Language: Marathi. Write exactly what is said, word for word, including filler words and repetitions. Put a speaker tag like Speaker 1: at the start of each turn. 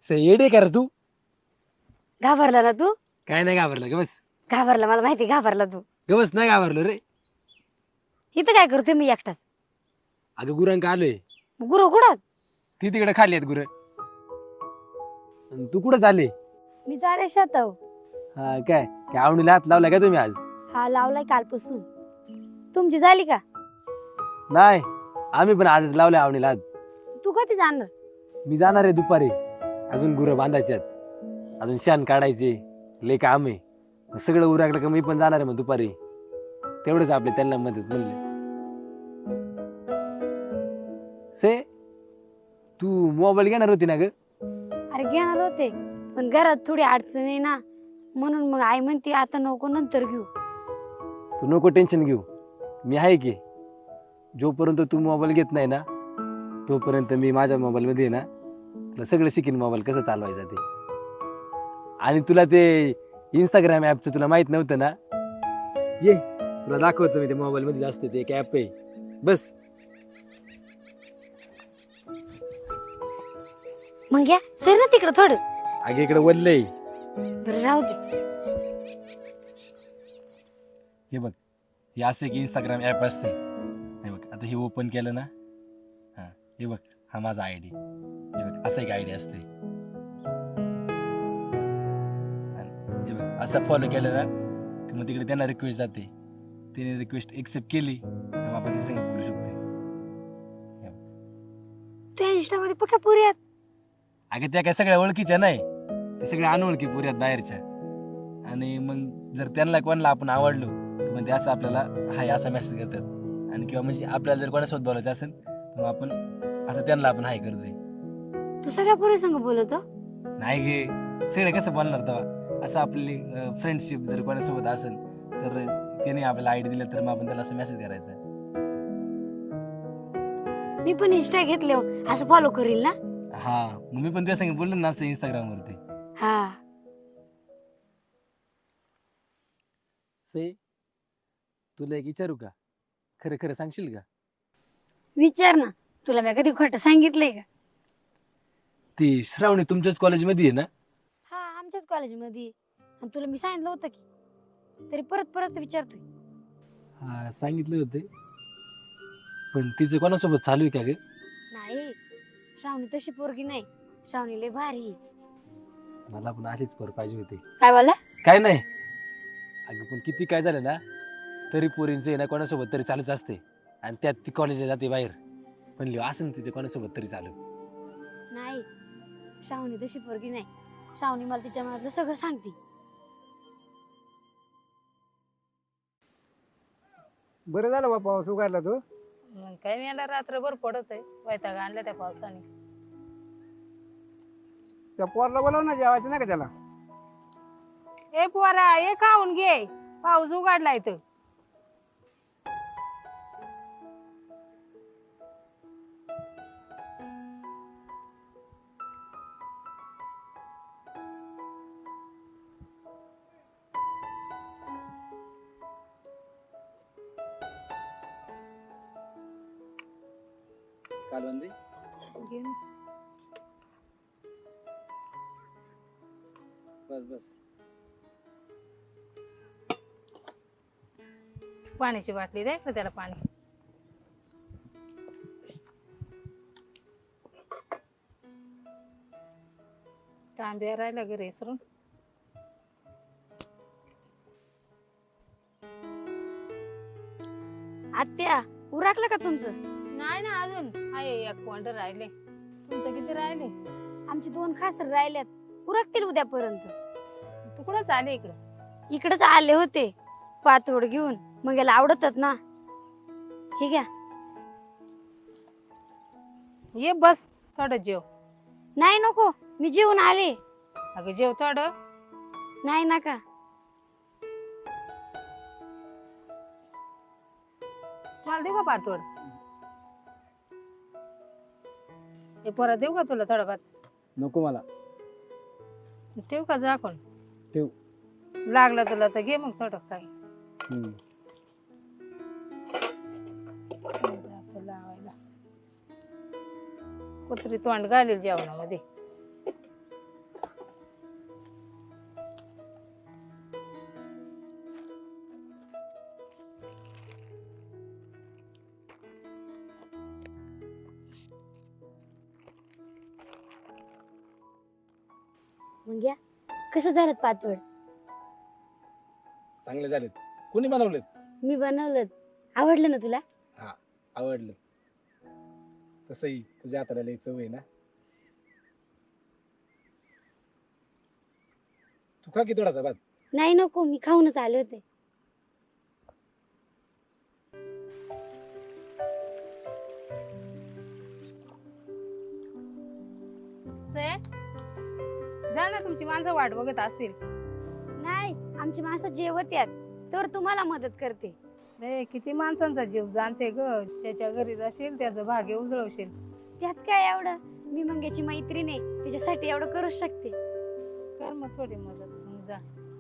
Speaker 1: से येडे कर तू.
Speaker 2: घाबरला ना तू?
Speaker 1: काय नाही घाबरलं ग बस.
Speaker 2: घाबरला, मला माहिती घाबरला तू.
Speaker 1: ग बस नाही घाबरलो रे.
Speaker 2: इथं काय करतोय मी एकटाच?
Speaker 1: अगं गुरांक आलोय.
Speaker 2: गुरु कुठं?
Speaker 1: ती तिकडे खाली आहेत गुर. तू कुठं चालली?
Speaker 2: मी चाले शेताव.
Speaker 1: हा काय काय आवडीला हात लावला का तुम्ही आज?
Speaker 2: हा लावलाय कालपासून. तुमची झाली का?
Speaker 1: नाही आम्ही पण आजच लावलाय आवडीला हात.
Speaker 2: तू कधी जाणार?
Speaker 1: मी जाणार आहे दुपारी. अजून गुरं बांधायच्यात, अजून शान काढायचे, लय काम आहे. मग सगळं उरकलं का मी पण जाणार आहे मग दुपारी. तेवढंच आपले त्यांना मदत म्हणले. से तू मोबाईल घेणार होती ना ग?
Speaker 2: अरे घेणार होते, पण घरात थोडी अडचण आहे ना, म्हणून मग आई म्हणते आता नको, नंतर घेऊ.
Speaker 1: तू नको टेन्शन घेऊ, मी आहे की. जोपर्यंत तू मोबाईल घेत नाही ना तोपर्यंत मी माझ्या मोबाईल मध्ये ना तुला सगळं शिकीन, मोबाईल कसं चालवायचं ते. आणि तुला ते इंस्टाग्राम ऍपचं तुला माहित नव्हतं ना, ये तुला दाखवतो मी. ते मोबाईल मध्ये जास्त ते एक ऍप आहे. बस
Speaker 2: मग घ्या सर ना तिकडं थोडं.
Speaker 1: आगे इकडे वल्लय.
Speaker 2: बरं राहू दे.
Speaker 1: हे बघ, हे असं एक इंस्टाग्राम ऍप असते. हे बघ आता हे ओपन केलं ना, हा हे बघ हा माझा आय डी. हे बघ असं एक आय डी असते. हे बघ असं फॉलो केलं ना की मग तिकडे त्यांना रिक्वेस्ट जाते. तिने रिक्वेस्ट एक्सेप्ट केली मग आपण ते सगळं बोलू शकतो.
Speaker 2: तू इंस्टा मध्ये पक्का पुरी आहेत?
Speaker 1: अगं त्या काय सगळ्या ओळखीच्या नाही, ते सगळ्या अनोळखी पुरी आहेत बाहेरच्या. आणि मग जर त्यांना कोणाला आपण आवडलो तर मग ते असं आपल्याला हाय असा मेसेज करतात. आणि किंवा म्हणजे आपल्याला जर कोणासोबत बोलायचं असेल तर मग आपण असं त्यांना आपण हाय करतोय.
Speaker 2: तू सगळ्या पुरी संग बोलतो?
Speaker 1: नाही गे, सगळे कसं बोलणार तेव्हा. असं आपली फ्रेंडशिप जर कोणासोबत असेल तर त्याने आपल्याला आयडी दिला तर मग आपण त्याला असं मेसेज करायचा.
Speaker 2: मी पण इंस्टा घेतले असं फॉलो करील ना.
Speaker 1: हा मग मी पण तुझ्या संग बोललो ना असं इंस्टाग्राम वरती.
Speaker 2: हा
Speaker 1: से तुला एक विचारू का? खरं खरं सांगशील का?
Speaker 2: विचार ना, तुला मी कधी खोटं सांगितलंय का?
Speaker 1: ती श्रावणी तुमच्याच कॉलेजमध्ये आहे ना?
Speaker 2: हा आमच्याच कॉलेजमध्ये. आणि तुला मी सांगितलं होतं की, तरी परत परत विचारतोय.
Speaker 1: हा सांगितलं होते, पण तिचं कोणासोबत चालू आहे का ग?
Speaker 2: नाही, श्रावणी तशी पोरगी नाही. श्रावणी लय भारी.
Speaker 1: मला पण अशीच पोर पाहिजे होती.
Speaker 2: काय बोला?
Speaker 1: काय नाही अगं, पण किती काय झालं ना तरी पोरींचं आहे ना कोणासोबत तरी चालूच असते. आणि त्यात ती कॉलेजला जाते बाहेर, पण लिहो असं तिचं कोणासोबत तरी चालू.
Speaker 2: नाही, श्रावणी तशी पोरगी नाही. श्रावणी मला तिच्या मनातलं सगळं सांगते.
Speaker 3: बरं झालं बा पाऊस उघडला तो.
Speaker 4: मग काय मी याला रात्रभर पडत आहे, वैताग आणला त्या पावसाने.
Speaker 3: त्या पोरला बोलाव ना, जेवायचं नाही का त्याला?
Speaker 4: ए पोरा ये खाऊन घे, पाऊस उघडलाय तर.
Speaker 1: कालवंदी बस बस.
Speaker 4: पाण्याची बाटली द्या ना त्याला पाणी. तांब्या राहिला घरी इसरून.
Speaker 2: आत्या उरकलं का तुमचं?
Speaker 4: नाही ना अजून आहे, एक पॉइंट राहिले. तुमचं किती राहिले?
Speaker 2: आमचे दोन खासर राहिल्यात, उरकतील उद्यापर्यंत.
Speaker 4: तू कुठं चाले इकडं?
Speaker 2: इकडेच आले होते पातोड घेऊन, मग याला आवडतात ना. हे घ्या.
Speaker 4: ये बस थोडं जेव.
Speaker 2: नाही नको, मी जेवून आले.
Speaker 4: अगं जेव थोडं.
Speaker 2: नाही नका.
Speaker 4: मला देऊ का पाठवड? हे परत देऊ का तुला थोडं भात?
Speaker 1: नको मला.
Speaker 4: ठेव का झाकून?
Speaker 1: ठेव.
Speaker 4: लागलं तुला तर घे मग थोडं काही.
Speaker 1: हम्म.
Speaker 4: जातो लावायला. कुत्री तोंड घालेल जेवणामध्ये.
Speaker 2: मग या कसं झालं पातवड?
Speaker 1: चांगले झालेत. कोणी बनवलेत?
Speaker 2: मी बनवलं. आवडलं ना तुला?
Speaker 1: आवडलं. तसंही तुझ्या हाताला लई चव आहे ना. तू खा की थोडासा भात.
Speaker 2: नाही नको, मी खाऊनच आले होते.
Speaker 4: से जा ना, तुमची माणसं वाट बघत असतील.
Speaker 2: नाही, आमची माणसं जेवत यात तर तुम्हाला मदत करते.
Speaker 4: रे किती माणसांचा जीव जाणते ग. त्याच्या घरी जाशील, त्याचं भाग्य उजळवशील.
Speaker 2: त्यात काय एवढं, मी मंग्याची मैत्रीण आहे, तिच्यासाठी एवढं करू शकते.
Speaker 4: कर मग थोडी मदत, मग जा.